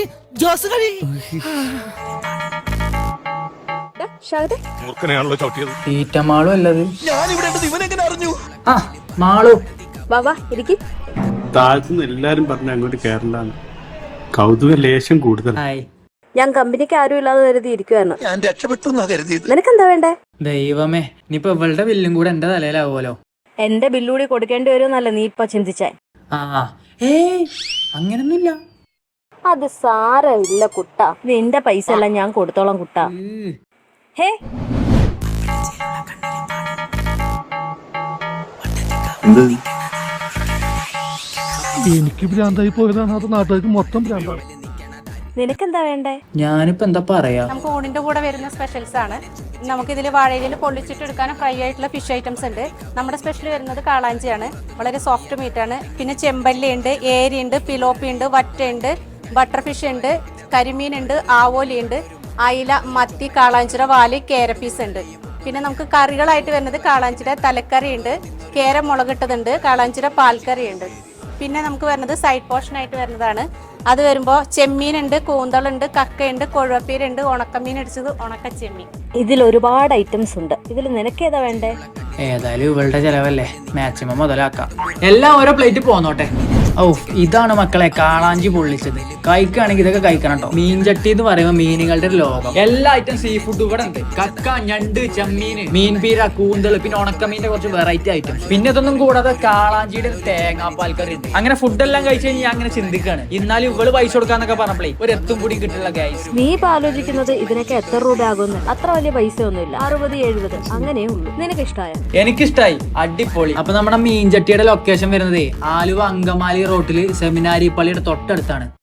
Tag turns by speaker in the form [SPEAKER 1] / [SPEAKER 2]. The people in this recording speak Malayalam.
[SPEAKER 1] ജോസ് കളി
[SPEAKER 2] മൂർഖനെയാണല്ലോ ചവിട്ടിയത്.
[SPEAKER 3] തീറ്റമാളും അല്ലത്.
[SPEAKER 1] ഞാനിവിടെ ഇവനെങ്ങനെ അറിഞ്ഞു?
[SPEAKER 3] ആ മാളു
[SPEAKER 4] വാ ഇരിക്ക്.
[SPEAKER 5] താഴത്തുനിന്ന് എല്ലാരും പറഞ്ഞ അങ്ങോട്ട് കേരളാണ്. കൗതുക ലേശം കൂടുതൽ.
[SPEAKER 3] ഹായ്.
[SPEAKER 4] ഞാൻ കമ്പനിക്ക് ആരും ഇല്ലാതെ കരുതി ഇരിക്കുവായിരുന്നു.
[SPEAKER 1] ഞാൻ രക്ഷപ്പെട്ടു എന്നാ കരുതിയത്.
[SPEAKER 4] നിനക്കെന്താ വേണ്ടേ?
[SPEAKER 3] ദൈവമേ, ഇനിയിപ്പൊ ഇവളുടെ ബില്ലും കൂടെ എന്റെ തലയിലാവുമല്ലോ.
[SPEAKER 4] എന്റെ ബില്ലൂടി കൊടുക്കേണ്ടി വരുമെന്നല്ല നീ ഇപ്പൊ ചിന്തിച്ചേ.
[SPEAKER 3] ആ അങ്ങനൊന്നുമില്ല.
[SPEAKER 4] അത് സാരമില്ല കുട്ടാ, നിന്റെ പൈസ എല്ലാം ഞാൻ കൊടുത്തോളാം കുട്ടാ. ഹേ
[SPEAKER 2] എനിക്ക് ഭ്രാന്തായി പോയതാണ്, അത് നാട്ടുകാർക്ക് മൊത്തം ഭ്രാന്താണ്.
[SPEAKER 4] നിനക്കെന്താ വേണ്ടേ?
[SPEAKER 3] ഞാനിപ്പോ എന്താ പറയാ,
[SPEAKER 6] നമുക്ക് ഊണിന്റെ കൂടെ വരുന്ന സ്പെഷ്യൽസ് ആണ്. നമുക്ക് ഇതിൽ വാഴയിലിൽ പൊള്ളിച്ചിട്ട് എടുക്കാനും ഫ്രൈ ആയിട്ടുള്ള ഫിഷ് ഐറ്റംസ് ഉണ്ട്. നമ്മുടെ സ്പെഷ്യൽ വരുന്നത് കാളാഞ്ചിയാണ്, വളരെ സോഫ്റ്റ് മീറ്റ് ആണ്. പിന്നെ ചെമ്പല്ലി ഉണ്ട്, ഏരി ഉണ്ട്, പിലോപ്പി ഉണ്ട്, വറ്റ ഉണ്ട്, ബട്ടർ ഫിഷ് ഉണ്ട്, കരിമീൻ ഉണ്ട്, ആവോലി ഉണ്ട്, അയില, മത്തി, കാളാഞ്ചിര, വാല്, കേരപ്പീസ് ഉണ്ട്. പിന്നെ നമുക്ക് കറികളായിട്ട് വരുന്നത് കാളാഞ്ചിര തലക്കറി ഉണ്ട്, കേര മുളകിട്ടതുണ്ട്, കാളാഞ്ചിര പാൽക്കറി ഉണ്ട്. പിന്നെ നമുക്ക് വരുന്നത് സൈഡ് പോർഷൻ ആയിട്ട് വരുന്നതാണ്. അത് വരുമ്പോൾ ചെമ്മീനുണ്ട്, കൂന്തളുണ്ട്, കക്കയുണ്ട്, കൊഴുവപ്പീരുണ്ട്, ഉണക്കമീൻ അടിച്ചത്, ഉണക്ക ചെമ്മീൻ.
[SPEAKER 4] ഇതിൽ ഒരുപാട് ഐറ്റംസ് ഉണ്ട്. ഇതിൽ നിനക്കേതാ വേണ്ടേ?
[SPEAKER 3] ഏതായാലും ഇവളുടെ ചെലവല്ലേ, മാക്സിമം മുതലാക്കാം. എല്ലാം ഓരോ പ്ലേറ്റ് പോന്നോട്ടെ. ഓ ഇതാണ് മക്കളെ കാളാഞ്ചി പൊള്ളിച്ചത്. കഴിക്കുകയാണെങ്കിൽ ഇതൊക്കെ കഴിക്കണം കേട്ടോ. മീൻചട്ടി എന്ന് പറയുമ്പോൾ മീനുകളുടെ ഒരു ലോകം. എല്ലാ ഐറ്റം സീ ഫുഡ് ഇവിടെ ഉണ്ട്. കക്ക, ഞണ്ട്, ചെമ്മീൻ, മീൻപീര, കൂന്തള്, പിന്നെ ഉണക്കമീന്റെ കുറച്ച് വെറൈറ്റി ഐറ്റംസ്. പിന്നെ ഇതൊന്നും കൂടാതെ കാളാഞ്ചിയുടെ തേങ്ങാപ്പാൽക്കറി ഉണ്ട്. അങ്ങനെ ഫുഡെല്ലാം കഴിച്ചു കഴിഞ്ഞാൽ അങ്ങനെ ചിന്തിക്കാണ്. എന്നാലും ഇവള് പൈസ കൊടുക്കാന്നൊക്കെ പറഞ്ഞപ്പോഴേ ഒരു എത്തും കൂടി കിട്ടില്ല ഗൈസ്.
[SPEAKER 4] നീ ഇപ്പൊ ആലോചിക്കുന്നത് ഇതിനൊക്കെ എത്ര രൂപ ആകുമെന്ന്. അത്ര വലിയ പൈസ ഒന്നുമില്ല, 60-70 അങ്ങനെയേ ഉള്ളൂ. നിനക്ക് ഇഷ്ടമായോ?
[SPEAKER 3] എനിക്കിഷ്ടായി, അടിപൊളി. അപ്പൊ നമ്മുടെ മീൻചട്ടിയുടെ ലൊക്കേഷൻ വരുന്നത് ആലുവ അങ്കമാലി റോട്ടില് സെമിനാരി പള്ളിയുടെ തൊട്ടടുത്താണ്.